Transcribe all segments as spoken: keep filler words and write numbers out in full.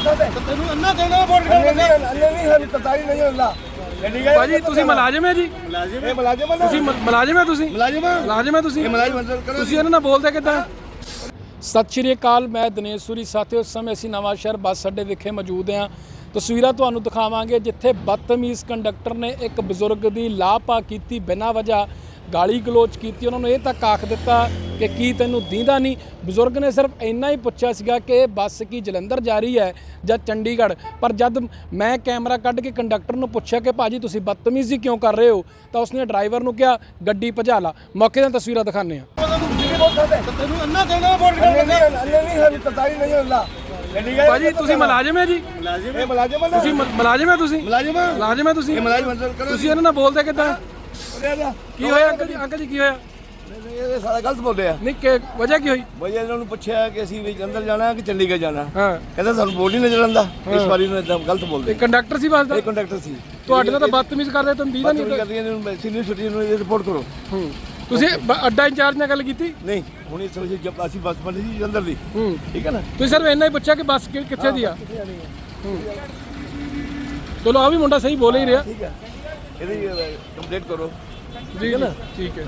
ਤੈਨੂੰ ਅੰਨਾ ਦੇਣਾ ਵੋਟ ਕਰਨਾ ਅੰਨੇ ਨਹੀਂ ਹੈ ਤਤਾਈ ਨਹੀਂ ਹੁੰਦਾ ਭਾਜੀ ਤੁਸੀਂ ਮੁਲਾਜ਼ਮ ਹੈ ਜੀ ਮੁਲਾਜ਼ਮ ਇਹ ਮੁਲਾਜ਼ਮ ਹੈ ਤੁਸੀਂ ਮੁਲਾਜ਼ਮ ਹੈ ਤੁਸੀਂ ਮੁਲਾਜ਼ਮ ਮੁਲਾਜ਼ਮ ਹੈ ਤੁਸੀਂ ਇਹ ਮੁਲਾਜ਼ਮ ਕਰੋ ਤੁਸੀਂ ਇਹਨਾਂ ਨਾਲ ਬੋਲਦੇ ਕਿੱਦਾਂ? ਸਤਿ ਸ਼੍ਰੀ ਅਕਾਲ, ਮੈਂ ਦਿਨੇਸ਼ ਸੂਰੀ। ਸਾਥੀਓ, ਇਸ ਸਮੇਂ ਅਸੀਂ ਨਵਾਂ ਸ਼ਹਿਰ ਬੱਸ ਅੱਡੇ ਵਿਖੇ ਮੌਜੂਦ ਹਾਂ। ਤਸਵੀਰਾਂ ਤੁਹਾਨੂੰ ਦਿਖਾਵਾਂਗੇ ਜਿੱਥੇ ਬਦਤਮੀਜ਼ ਕੰਡਕਟਰ ਨੇ ਇੱਕ ਬਜ਼ੁਰਗ ਦੀ ਲਾਪਾ ਕੀਤੀ, ਬਿਨਾਂ ਵਜ੍ਹਾ ਗਾਲੀ ਗਲੋਚ ਕੀਤੀ। ਉਹਨਾਂ ਨੂੰ ਇਹ ਤੱਕ ਆਖ ਦਿੱਤਾ ਕਿ ਕੀ ਤੈਨੂੰ ਦੀਂਦਾ ਨਹੀਂ। ਬਜ਼ੁਰਗ ਨੇ ਸਿਰਫ ਇੰਨਾ ਹੀ ਪੁੱਛਿਆ ਸੀਗਾ ਕਿ ਇਹ ਬੱਸ ਕੀ ਜਲੰਧਰ ਜਾ ਰਹੀ ਹੈ ਜਾਂ ਚੰਡੀਗੜ੍ਹ। ਪਰ ਜਦ ਮੈਂ ਕੈਮਰਾ ਕੱਢ ਕੇ ਕੰਡਕਟਰ ਨੂੰ ਪੁੱਛਿਆ ਕਿ ਭਾਜੀ ਤੁਸੀਂ ਬਦਤਮੀਜ਼ੀ ਕਿਉਂ ਕਰ ਰਹੇ ਹੋ, ਤਾਂ ਉਸਨੇ ਡਰਾਈਵਰ ਨੂੰ ਕਿਹਾ ਗੱਡੀ ਭਜਾ ਲਾ। ਮੌਕੇ ਦੀਆਂ ਤਸਵੀਰਾਂ ਦਿਖਾਉਂਦੇ ਹਾਂ। ਤੈਨੂੰ ਅੰਨਾ ਦੇਣਾ ਵੋਟ ਕਰਨਾ ਅੰਨੇ ਨਹੀਂ ਹੈ ਤਤਾਈ ਨਹੀਂ ਹੁੰਦਾ ਭਾਜੀ ਤੁਸੀਂ ਮੁਲਾਜ਼ਮ ਹੈ ਜੀ ਮੁਲਾਜ਼ਮ ਇਹ ਮੁਲਾਜ਼ਮ ਹੈ ਤੁਸੀਂ ਮੁਲਾਜ਼ਮ ਹੈ ਤੁਸੀਂ ਮੁਲਾਜ਼ਮ ਮੁਲਾਜ਼ਮ ਹੈ ਤੁਸੀਂ ਇਹ ਮੁਲਾਜ਼ਮ ਕਰੋ ਤੁਸੀਂ ਇਹਨਾਂ ਨਾਲ ਬੋਲਦੇ ਕਿੱਦਾਂ? ਕੀ ਹੋਇਆ ਅੰਕਲ ਜੀ? ਅੰਕਲ ਜੀ ਕੀ ਹੋਇਆ? ਇਹ ਸਾਰਾ ਗਲਤ ਬੋਲਿਆ। ਨਹੀਂ ਕਿ ਵਜ੍ਹਾ ਕੀ ਹੋਈ? ਵਜ੍ਹਾ ਇਹਨਾਂ ਨੂੰ ਪੁੱਛਿਆ ਕਿ ਅਸੀਂ ਵੀ ਜਲੰਧਰ ਜਾਣਾ ਕਿ ਚੰਡੀਗੜ੍ਹ ਜਾਣਾ। ਹਾਂ, ਕਹਿੰਦਾ ਸਾਨੂੰ ਬੋਲ ਹੀ ਨਜ਼ਰ ਆਉਂਦਾ। ਇਸ ਵਾਰੀ ਨੂੰ ਇਦਾਂ ਗਲਤ ਬੋਲਦੇ। ਇਹ ਕੰਡਕਟਰ ਸੀ ਬੱਸ ਦਾ? ਇਹ ਕੰਡਕਟਰ ਸੀ। ਤੁਹਾਡੇ ਨਾਲ ਤਾਂ ਬਦਤਮੀਜ਼ ਕਰਦੇ, ਤੁਹਾਨੂੰ ਦੀਦਾ ਨਹੀਂ। ਕਰਦੀਆਂ ਨੇ ਸੀਨੀਅਰ ਸਿਟੀ ਨੂੰ ਰਿਪੋਰਟ ਕਰੋ। ਹੂੰ, ਤੁਸੀਂ ਅੱਡਾ ਇੰਚਾਰਜ ਨਾਲ ਗੱਲ ਕੀਤੀ? ਨਹੀਂ, ਹੁਣ ਇਸ ਵੇਲੇ ਜਬ ਅਸੀਂ ਬੱਸ ਬਣੀ ਸੀ ਜਲੰਧਰ ਦੀ। ਹੂੰ, ਠੀਕ ਹੈ ਨਾ। ਤੁਸੀਂ ਸਿਰਫ ਇੰਨਾ ਹੀ ਪੁੱਛਿਆ ਕਿ ਬੱਸ ਕਿੱਥੇ ਦੀ ਆ। ਹੂੰ, ਚਲੋ ਆ ਵੀ ਮੁੰਡਾ ਸਹੀ ਬੋਲ ਹੀ ਰਿਹਾ। ਠੀਕ ਹੈ, ਇਹਦੀ ਕੰਪਲੀਟ ਕਰੋ। ਠੀਕ ਹੈ ਨਾ? ਠੀਕ ਹੈ।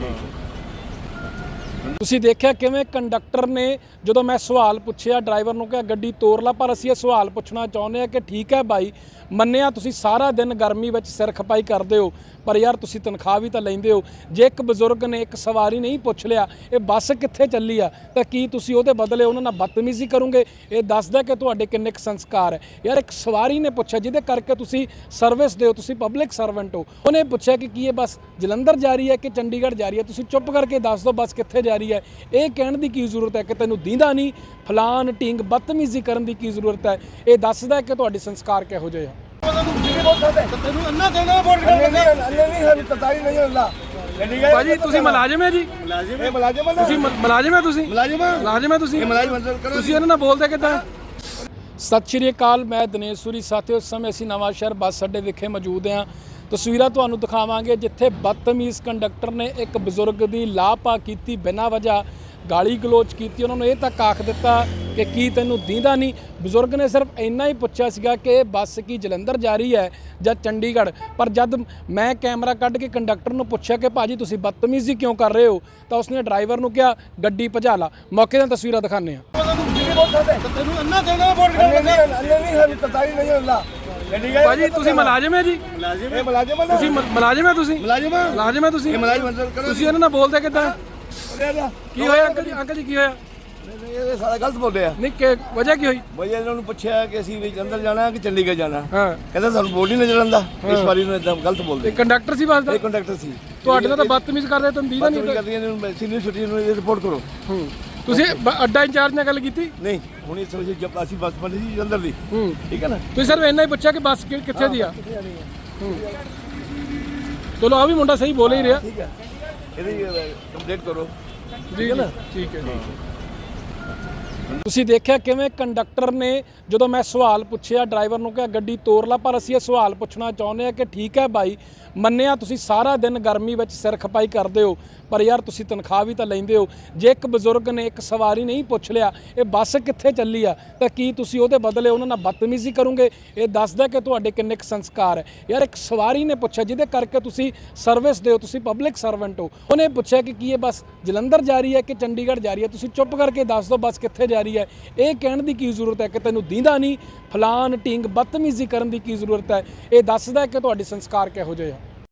ਤੁਸੀਂ ਦੇਖਿਆ ਕਿਵੇਂ ਕੰਡਕਟਰ ਨੇ, ਜਦੋਂ ਮੈਂ ਸਵਾਲ ਪੁੱਛਿਆ ਡਰਾਈਵਰ ਨੂੰ ਕਿਹਾ ਗੱਡੀ ਤੋਰ ਲਾ, ਪਰ ਅਸੀਂ ਇਹ ਸਵਾਲ ਪੁੱਛਣਾ ਚਾਹੁੰਦੇ ਹਾਂ ਕਿ ਠੀਕ ਹੈ ਭਾਈ, ਮੰਨਿਆ ਤੁਸੀਂ ਸਾਰਾ ਦਿਨ ਗਰਮੀ ਵਿੱਚ ਸਿਰ ਖਪਾਈ ਕਰਦੇ ਹੋ, ਪਰ ਯਾਰ ਤੁਸੀਂ ਤਨਖਾਹ ਵੀ ਤਾਂ ਲੈਂਦੇ ਹੋ। ਜੇ ਇੱਕ ਬਜ਼ੁਰਗ ਨੇ ਇੱਕ ਸਵਾਰੀ ਨਹੀਂ ਪੁੱਛ ਲਿਆ ਇਹ ਬੱਸ ਕਿੱਥੇ ਚੱਲੀ ਆ, ਤਾਂ ਕੀ ਤੁਸੀਂ ਉਹਦੇ ਬਦਲੇ ਉਹਨਾਂ ਨਾਲ ਬਦਤਮੀਜ਼ੀ ਕਰੋਗੇ? ਇਹ ਦੱਸਦਾ ਕਿ ਤੁਹਾਡੇ ਕਿੰਨੇ ਕੁ ਸੰਸਕਾਰ ਹੈ। ਯਾਰ ਇੱਕ ਸਵਾਰੀ ਨੇ ਪੁੱਛਿਆ ਜਿਹਦੇ ਕਰਕੇ ਤੁਸੀਂ ਸਰਵਿਸ ਦਿਓ, ਤੁਸੀਂ ਪਬਲਿਕ ਸਰਵੈਂਟ ਹੋ। ਉਹਨੇ ਪੁੱਛਿਆ ਕਿ ਕੀ ਇਹ ਬੱਸ ਜਲੰਧਰ ਜਾ ਰਹੀ ਹੈ ਕਿ ਚੰਡੀਗੜ੍ਹ ਜਾ ਰਹੀ ਹੈ, ਤੁਸੀਂ ਚੁੱਪ ਕਰਕੇ ਦੱਸ ਦਿਓ ਬੱਸ ਕਿੱਥੇ ਜਾ ਰਹੀ ਹੈ। ਇਹ ਕਹਿਣ ਦੀ ਕੀ ਜ਼ਰੂਰਤ ਹੈ ਕਿ ਤੈਨੂੰ ਦੀਂਦਾ ਨਹੀਂ, ਫਲਾਨ ਢੀਂਗ ਬਦਤਮੀਜ਼ੀ ਕਰਨ ਦੀ ਕੀ ਜ਼ਰੂਰਤ ਹੈ? ਇਹ ਦੱਸਦਾ ਕਿ ਤੁਹਾਡੇ ਸੰਸਕਾਰ ਕਿਹੋ ਜਿਹੇ ਆ। ਤੈਨੂੰ ਅੰਨਾ ਦੇਣਾ ਵੋਟ ਕਰਨਾ ਅੰਨੇ ਨਹੀਂ ਹੈ ਤਤਾਈ ਨਹੀਂ ਹੁੰਦਾ ਭਾਜੀ ਤੁਸੀਂ ਮੁਲਾਜ਼ਮ ਹੈ ਜੀ ਮੁਲਾਜ਼ਮ ਇਹ ਮੁਲਾਜ਼ਮ ਹੈ ਤੁਸੀਂ ਮੁਲਾਜ਼ਮ ਹੈ ਤੁਸੀਂ ਮੁਲਾਜ਼ਮ ਮੁਲਾਜ਼ਮ ਹੈ ਤੁਸੀਂ ਇਹ ਮੁਲਾਜ਼ਮ ਕਰੋ ਤੁਸੀਂ ਇਹਨਾਂ ਨਾਲ ਬੋਲਦੇ ਕਿੱਦਾਂ? ਸਤਿ ਸ਼੍ਰੀ ਅਕਾਲ, ਮੈਂ ਦਿਨੇਸ਼ ਸੂਰੀ। ਸਾਥੀਓ, ਇਸ ਸਮੇਂ ਅਸੀਂ ਨਵਾਂ ਸ਼ਹਿਰ ਬੱਸ ਅੱਡੇ ਵਿਖੇ ਮੌਜੂਦ ਹਾਂ। ਤਸਵੀਰਾਂ ਤੁਹਾਨੂੰ ਦਿਖਾਵਾਂਗੇ ਜਿੱਥੇ ਬਦਤਮੀਜ਼ ਕੰਡਕਟਰ ਨੇ ਇੱਕ ਬਜ਼ੁਰਗ ਦੀ ਲਾਪਾ ਕੀਤੀ, ਬਿਨਾਂ ਵਜ੍ਹਾ ਗਾਲੀ ਗਲੋਚ ਕੀਤੀ। ਉਹਨਾਂ ਨੂੰ ਇਹ ਤੱਕ ਆਖ ਦਿੱਤਾ ਕਿ ਕੀ ਤੈਨੂੰ ਦੀਂਦਾ ਨਹੀਂ। ਬਜ਼ੁਰਗ ਨੇ ਸਿਰਫ ਇੰਨਾ ਹੀ ਪੁੱਛਿਆ ਸੀਗਾ ਕਿ ਇਹ ਬੱਸ ਕੀ ਜਲੰਧਰ ਜਾ ਰਹੀ ਹੈ ਜਾਂ ਚੰਡੀਗੜ੍ਹ। ਪਰ ਜਦ ਮੈਂ ਕੈਮਰਾ ਕੱਢ ਕੇ ਕੰਡਕਟਰ ਨੂੰ ਪੁੱਛਿਆ ਕਿ ਭਾਜੀ ਤੁਸੀਂ ਬਦਤਮੀਜ਼ੀ ਕਿਉਂ ਕਰ ਰਹੇ ਹੋ, ਤਾਂ ਉਸਨੇ ਡਰਾਈਵਰ ਨੂੰ ਕਿਹਾ ਗੱਡੀ ਭਜਾ ਲਾ। ਮੌਕੇ ਦੀਆਂ ਤਸਵੀਰਾਂ ਦਿਖਾਉਂਦੇ ਹਾਂ। ਤੈਨੂੰ ਅੰਨਾ ਦੇਣਾ ਵੋਟ ਕਰਨਾ ਅੰਨੇ ਨਹੀਂ ਹੈ ਤਤਾਈ ਨਹੀਂ ਹੁੰਦਾ ਭਾਜੀ ਤੁਸੀਂ ਮੁਲਾਜ਼ਮ ਹੈ ਜੀ ਮੁਲਾਜ਼ਮ ਇਹ ਮੁਲਾਜ਼ਮ ਹੈ ਤੁਸੀਂ ਮੁਲਾਜ਼ਮ ਹੈ ਤੁਸੀਂ ਮੁਲਾਜ਼ਮ ਮੁਲਾਜ਼ਮ ਹੈ ਤੁਸੀਂ ਇਹ ਮੁਲਾਜ਼ਮ ਕਰੋ ਤੁਸੀਂ ਇਹਨਾਂ ਨਾਲ ਬੋਲਦੇ ਕਿੱਦਾਂ? ਕੀ ਹੋਇਆ ਅੰਕਲ ਜੀ? ਅੰਕਲ ਜੀ ਕੀ ਹੋਇਆ? ਇਹ ਸਾਰਾ ਗਲਤ ਬੋਲਿਆ। ਨਹੀਂ ਕਿ ਵਜ੍ਹਾ ਕੀ ਹੋਈ? ਵਜ੍ਹਾ ਇਹਨਾਂ ਨੂੰ ਪੁੱਛਿਆ ਕਿ ਅਸੀਂ ਵੀ ਜਲੰਧਰ ਜਾਣਾ ਕਿ ਚੰਡੀਗੜ੍ਹ ਜਾਣਾ। ਹਾਂ, ਕਹਿੰਦਾ ਸਾਨੂੰ ਬੋਲ ਹੀ ਨਜ਼ਰ ਆਉਂਦਾ। ਇਸ ਵਾਰੀ ਨੂੰ ਇਦਾਂ ਗਲਤ ਬੋਲਦੇ। ਇਹ ਕੰਡਕਟਰ ਸੀ ਬੱਸ ਦਾ? ਇਹ ਕੰਡਕਟਰ ਸੀ। ਤੁਹਾਡੇ ਨਾਲ ਤਾਂ ਬਦਤਮੀਜ਼ ਕਰਦੇ, ਤੁਹਾਨੂੰ ਦੀਦਾ ਨਹੀਂ। ਕਰਦੀਆਂ ਨੇ ਸੀਨੀਅਰ ਸਿਟੀ ਨੂੰ ਰਿਪੋਰਟ ਕਰੋ। ਹੂੰ, ਤੁਸੀਂ ਅੱਡਾ ਇੰਚਾਰਜ ਨਾਲ ਗੱਲ ਕੀਤੀ? ਨਹੀਂ, ਹੁਣ ਇਸ ਵੇਲੇ ਜਬ ਅਸੀਂ ਬੱਸ ਬਣੀ ਸੀ ਜਲੰਧਰ ਦੀ। ਹੂੰ, ਠੀਕ ਹੈ ਨਾ। ਤੁਸੀਂ ਸਿਰਫ ਇੰਨਾ ਹੀ ਪੁੱਛਿਆ ਕਿ ਬੱਸ ਕਿੱਥੇ ਦੀ ਆ। ਹੂੰ, ਚਲੋ ਆ ਵੀ ਮੁੰਡਾ ਸਹੀ ਬੋਲ ਹੀ ਰਿਹਾ। ਠੀਕ ਹੈ, ਇਹਦੀ ਕੰਪਲੀਟ ਕਰੋ। ਠੀਕ ਹੈ ਨਾ? ਠੀਕ ਹੈ। ਤੁਸੀਂ ਦੇਖਿਆ ਕਿਵੇਂ ਕੰਡਕਟਰ ਨੇ, ਜਦੋਂ ਮੈਂ ਸਵਾਲ ਪੁੱਛਿਆ ਡਰਾਈਵਰ ਨੂੰ ਕਿਹਾ ਗੱਡੀ ਤੋਰ ਲਾ, ਪਰ ਅਸੀਂ ਇਹ ਸਵਾਲ ਪੁੱਛਣਾ ਚਾਹੁੰਦੇ ਹਾਂ ਕਿ ਠੀਕ ਹੈ ਭਾਈ, ਮੰਨਿਆ ਤੁਸੀਂ ਸਾਰਾ ਦਿਨ ਗਰਮੀ ਵਿੱਚ ਸਿਰ ਖਪਾਈ ਕਰਦੇ ਹੋ, ਪਰ ਯਾਰ ਤੁਸੀਂ ਤਨਖਾਹ ਵੀ ਤਾਂ ਲੈਂਦੇ ਹੋ। ਜੇ ਇੱਕ ਬਜ਼ੁਰਗ ਨੇ ਇੱਕ ਸਵਾਰੀ ਨਹੀਂ ਪੁੱਛ ਲਿਆ ਇਹ ਬੱਸ ਕਿੱਥੇ ਚੱਲੀ ਆ, ਤਾਂ ਕੀ ਤੁਸੀਂ ਉਹਦੇ ਬਦਲੇ ਉਹਨਾਂ ਨਾਲ ਬਦਤਮੀਜ਼ੀ ਕਰੋਗੇ? ਇਹ ਦੱਸਦਾ ਕਿ ਤੁਹਾਡੇ ਕਿੰਨੇ ਕੁ ਸੰਸਕਾਰ ਹੈ। ਯਾਰ ਇੱਕ ਸਵਾਰੀ ਨੇ ਪੁੱਛਿਆ ਜਿਹਦੇ ਕਰਕੇ ਤੁਸੀਂ ਸਰਵਿਸ ਦਿਓ, ਤੁਸੀਂ ਪਬਲਿਕ ਸਰਵੈਂਟ ਹੋ। ਉਹਨੇ ਪੁੱਛਿਆ ਕਿ ਕੀ ਇਹ ਬੱਸ ਜਲੰਧਰ ਜਾ ਰਹੀ ਹੈ ਕਿ ਚੰਡੀਗੜ੍ਹ ਜਾ ਰਹੀ ਹੈ, ਤੁਸੀਂ ਚੁੱਪ ਕਰਕੇ ਦੱਸ ਦਿਓ ਬੱਸ ਕਿੱਥੇ ਜਾ ਰਹੀ ਹੈ। ਇਹ ਕਹਿਣ ਦੀ ਕੀ ਜ਼ਰੂਰਤ ਹੈ ਕਿ ਤੈਨੂੰ ਦੀਂਦਾ ਨਹੀਂ, ਫਲਾਨ ਢੀਂਗ ਬਦਤਮੀਜ਼ੀ ਕਰਨ ਦੀ ਕੀ ਜ਼ਰੂਰਤ ਹੈ? ਇਹ ਦੱਸਦਾ ਕਿ ਤੁਹਾਡੇ ਸੰਸਕਾਰ ਕਿਹੋ ਜਿਹੇ ਆ।